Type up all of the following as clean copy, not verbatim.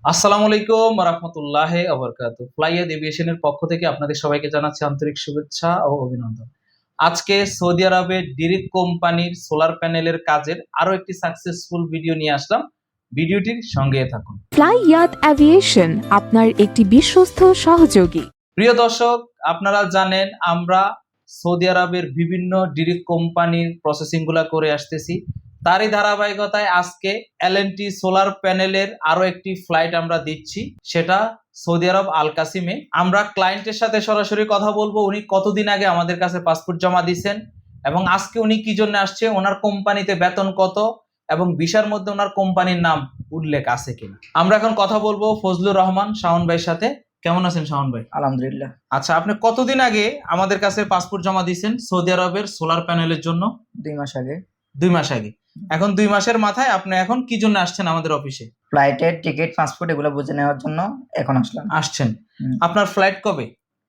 আসসালামু আলাইকুম রাহমাতুল্লাহি ওয়া বারাকাতুহু। ফ্লাইয়াদ এভিয়েশনের পক্ষ থেকে আপনাদের সবাইকে জানাচ্ছি আন্তরিক শুভেচ্ছা ও অভিনন্দন। আজকে সৌদি আরবের ডিরেক্ট কোম্পানির সোলার প্যানেলের কাজের আরো একটি সাকসেসফুল ভিডিও নিয়ে আসলাম। ভিডিওটির সঙ্গে থাকুন। ফ্লাইয়াদ এভিয়েশন আপনার একটি বিশ্বস্ত সহযোগী। প্রিয় দর্শক, আপনারা জানেন আমরা সৌদি আরবের বিভিন্ন ডিরেক্ট কোম্পানির প্রসেসিংগুলো করে আসতেছি। তারই ধারাবাহিকতায় আজকে এলএনটি সোলার প্যানেলের আরো একটি ফ্লাইট আমরা দিচ্ছি, সেটা সৌদি আরব আল কাসিমে। আমরা ক্লায়েন্টের সাথে সরাসরি কথা বলবো, উনি কতদিন আগে আমাদের কাছে পাসপোর্ট জমা দিয়েছেন এবং আজকে উনি কি জন্য আসছে, ওনার কোম্পানিতে বেতন কত এবং ভিসার মধ্যে ওনার কোম্পানির নাম উল্লেখ আছে কিনা। আমরা এখন কথা বলবো ফজলুর রহমান শাওন ভাইয়ের সাথে। কেমন আছেন শাওন ভাই? আলহামদুলিল্লাহ। আচ্ছা, আপনি কতদিন আগে আমাদের কাছে পাসপোর্ট জমা দিয়েছেন সৌদি আরবের সোলার প্যানেলের জন্য? 2 মাস আগে। 2 মাস আগে। এখন 2 মাসের মাথায় আপনি এখন কি জন্য আসছেন আমাদের অফিসে? ফ্লাইটের টিকিট, পাসপোর্ট এগুলো বুঝে নেওয়ার জন্য এখন আসলাম। আসছেন। আপনার ফ্লাইট কবে?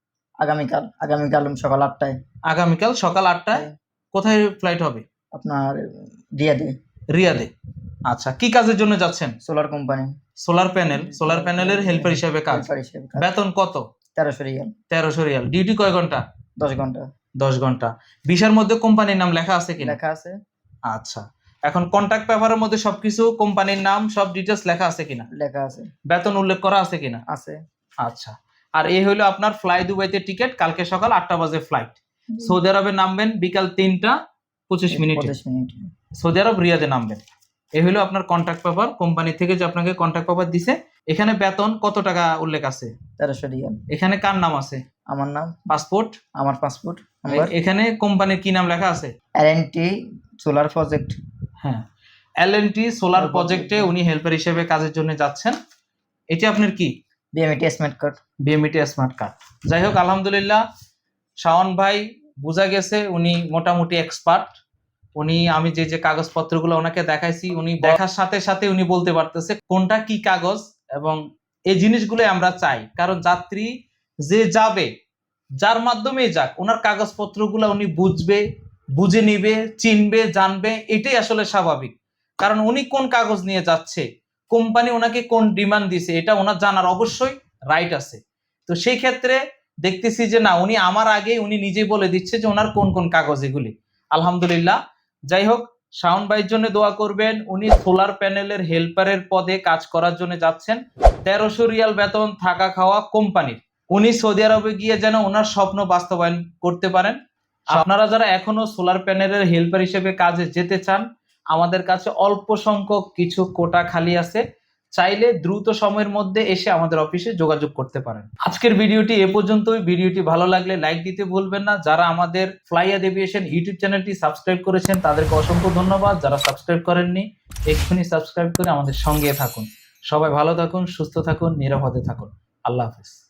আগামীকাল সকাল 8টায়। আগামীকাল সকাল 8টায়। কোথায় ফ্লাইট হবে? আপনার রিয়াদে। রিয়াদে। আচ্ছা, কি কাজের জন্য যাচ্ছেন? Solar company. সোলার প্যানেলের হেল্পার হিসেবে কাজ। বেতন কত? 1300 রিয়াল। 1300 রিয়াল। ডিউটি কয় ঘন্টা? 10 ঘন্টা। 10 ঘন্টা। ভিসার মধ্যে কোম্পানির নাম লেখা আছে কিনা? লেখা আছে। আচ্ছা, এখন কন্ট্রাক্ট পেপারের মধ্যে সবকিছু কোম্পানির নাম সব ডিটেইলস লেখা আছে কিনা? লেখা আছে। বেতন উল্লেখ করা আছে কিনা? আছে। আচ্ছা, আর এই হলো আপনার ফ্লাই দুবাইতে টিকিট। কালকে সকাল 8টা বাজে ফ্লাইট। সৌদি আরবে নামবেন বিকাল 3টা 25 মিনিটে। 25 মিনিট। সৌদি আরব রিয়াদে নামবেন। এই হলো আপনার কন্ট্রাক্ট পেপার, কোম্পানি থেকে যে আপনাকে কন্ট্রাক্ট পেপার দিছে। এখানে বেতন কত টাকা উল্লেখ আছে? 1300 রিয়াল। এখানে কার নাম আছে? আমার নাম, পাসপোর্ট, আমার পাসপোর্ট নাম্বার। এখানে কোম্পানির কি নাম লেখা আছে? L N T solar project. হ্যাঁ, এলএনটি সোলার প্রজেক্টে উনি হেল্পার হিসেবে কাজের জন্য যাচ্ছেন। এটি আপনার কি? BMET smart card. BMET smart card. যাই হোক, আলহামদুলিল্লাহ, শাওন ভাই বোঝা গেছে উনি মোটামুটি এক্সপার্ট। উনি আমি যে কাগজপত্রগুলো ওনাকে দেখাইছি, উনি দেখার সাথে সাথে উনি বলতে পারতেছে কোনটা কি কাগজ, এবং এই জিনিসগুলো আমরা চাই। কারণ যাত্রী যে যাবে, যার মাধ্যমে যাক, ওনার কাগজপত্রগুলো উনি বুঝবে, বুঝে নিবে, চিনবে, জানবে। এটাই আসলে স্বাভাবিক। কারণ উনি কোন কাগজ নিয়ে যাচ্ছে, কোম্পানি ওনাকে কোন ডিমান্ড দিছে, এটা ওনার জানার অবশ্যই রাইট আছে। তো সেই ক্ষেত্রে দেখতেছি যে না, উনি আমার আগে উনি নিজেই বলে দিচ্ছে যে ওনার কোন কোন কাগজ এগুলি। আলহামদুলিল্লাহ। যাই হোক, শাওন ভাইয়ের জন্য দোয়া করবেন। উনি সোলার প্যানেলের হেল্পারের পদে কাজ করার জন্য যাচ্ছেন। 1300 রিয়াল বেতন, থাকা খাওয়া কোম্পানির। উনি সৌদি আরবে গিয়ে যেন ওনার স্বপ্ন বাস্তবায়ন করতে পারেন। আপনারা যারা এখনো সোলার প্যানেলের হেল্পার হিসেবে কাজে যেতে চান, আমাদের কাছে অল্প সংখ্যক কিছু কোটা খালি আছে। চাইলে দ্রুত সময়ের মধ্যে এসে আমাদের অফিসে যোগাযোগ করতে পারেন। আজকের ভিডিওটি এ পর্যন্তই। ভিডিওটি ভালো লাগলে লাইক দিতে ভুলবেন না। যারা আমাদের ফ্লাইয়াদ এভিয়েশন ইউটিউব চ্যানেলটি সাবস্ক্রাইব করেছেন তাদেরকে অসংখ্য ধন্যবাদ। যারা সাবস্ক্রাইব করেননি, এক্ষুনি সাবস্ক্রাইব করে আমাদের সঙ্গে থাকুন। সবাই ভালো থাকুন, সুস্থ থাকুন, নিরাপদে থাকুন। আল্লাহ হাফেজ।